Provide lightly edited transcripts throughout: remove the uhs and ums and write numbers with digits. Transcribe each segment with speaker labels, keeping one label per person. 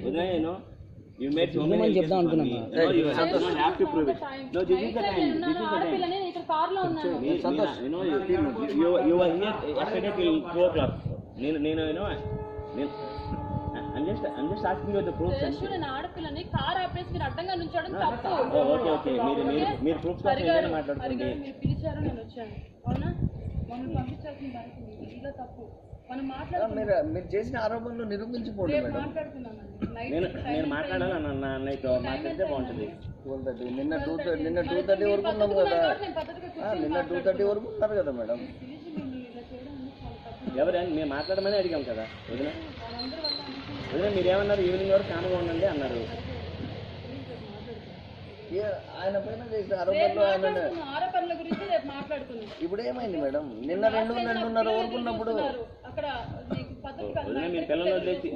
Speaker 1: You made so many
Speaker 2: చెప్దాం అనుకున్నాను.
Speaker 1: You have to prove it. No, this is the time. This is the time.
Speaker 3: ఇక్కడ car లో ఉన్నాను.
Speaker 1: You were here yesterday till 2 o'clock. I'm just asking you the proofs.
Speaker 3: నేను ఆడపిల్లని car ఆపేసి మీరు అడ్డంగా నుంచోడం తప్పు.
Speaker 1: ఓకే మీరు ప్రూఫ్స్ కోసం ఏదైనా మాట్లాడుకోండి.
Speaker 3: మీరు పిలిచారు, నేను వచ్చాను. అవునా? మమ్మల్ని పంపించాల్సిన బాధ్యత ఇలా తప్పు. మనం మాట్లాడుతున్నాం.
Speaker 2: మీరు చేసిన ఆరోపణలు నిరూపించుకోండి మేడం.
Speaker 1: నేను మాట్లాడాలన్నా అన్నయ్యతో మాట్లాడితే బాగుంటుంది.
Speaker 2: 12:30 నిన్న 2:30 వరకు ఉన్నాం కదా. నిన్న 2:30 వరకు ఉన్నారు కదా మేడం.
Speaker 1: ఎవరైనా మేము మాట్లాడమని అడిగాం కదా. వదిన మీరేమన్నారు? ఈవినింగ్ వరకు కానుగా ఉండండి అన్నారు.
Speaker 2: ఆయన పైన చేసిన ఆరోపణలు
Speaker 3: ఆరోపణల గురించి రేపు మాట్లాడుతున్నాం.
Speaker 2: ఇప్పుడు ఏమైంది మేడం? నిన్న 2:30 వరకు ఉన్నప్పుడు
Speaker 3: అక్కడ
Speaker 1: వదిన మీ పిల్లలు వదిలేసి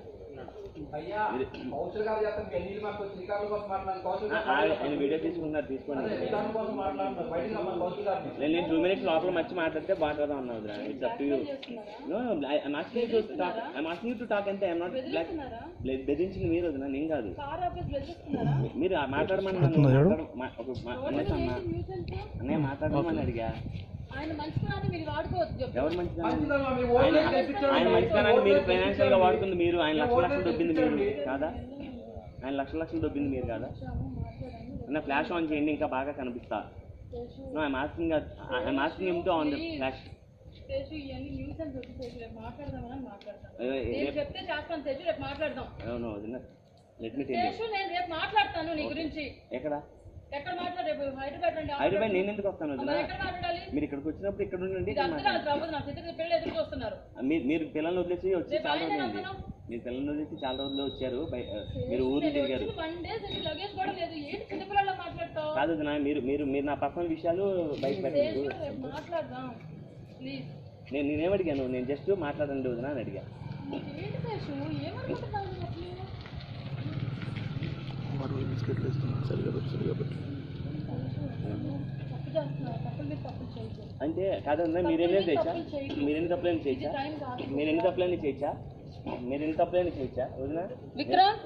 Speaker 1: ఆయన వీడియో తీసుకున్నారు, తీసుకోండి. నేను 2 minutes లోపల వచ్చి మాట్లాడితే బాగా అన్నా వదిన. It's up to you. No I'm asking you to talk అంతే. I'm not like బెదిరించింది మీరు వదిన, నేను కాదు. మీరు మాట్లాడమని అన్నయ్య మాట్లాడమని అడిగా.
Speaker 3: ఆయన మంచితనాన్ని మీరు వాడుకోవద్దు.
Speaker 1: ఎవరు ఆయన మంచితనాన్ని మీరు ఫైనాన్షియల్ గా వాడుతుంది. మీరు ఆయన లక్షలు దొబ్బింది మీరు కాదా? ఆయన లక్షలు దొబ్బింది మీరు కాదా? అన్న ఫ్లాష్ ఆన్ చేయండి, ఇంకా బాగా కనిపిస్తా. No I'm asking him to on the flash.
Speaker 3: మాట్లాడతాను నీ గురించి. ఎక్కడ మాట్లాడేపు హైదరాబాద్
Speaker 1: నేను ఎందుకు వస్తాను వదిన? మీరు ఇక్కడికి వచ్చినప్పుడు ఇక్కడ ఉండండి. మీరు పిల్లల్ని వదిలేసి వచ్చి చాలా రోజులు మీరు పిల్లల్ని వదిలేసి చాలా రోజులు వచ్చారు. మీరు ఊరు తిరిగారు కాదు వదిన. మీరు నా పర్సనల్ విషయాలు బయట పెట్టారు. నేనేమడిగాను? నేను జస్ట్ మాట్లాడండి వదిన అని అడిగా. అంటే కాదన్నా మీరేమైనా చేయొచ్చా? మీరెన్ని తప్పులైనా చేయొచ్చా వదిన?
Speaker 3: విక్రమ్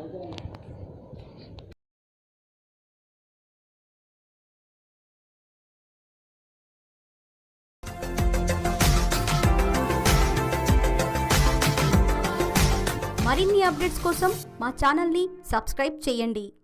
Speaker 4: మరిన్ని అప్డేట్స్ కోసం మా ఛానల్ని సబ్స్క్రైబ్ చేయండి.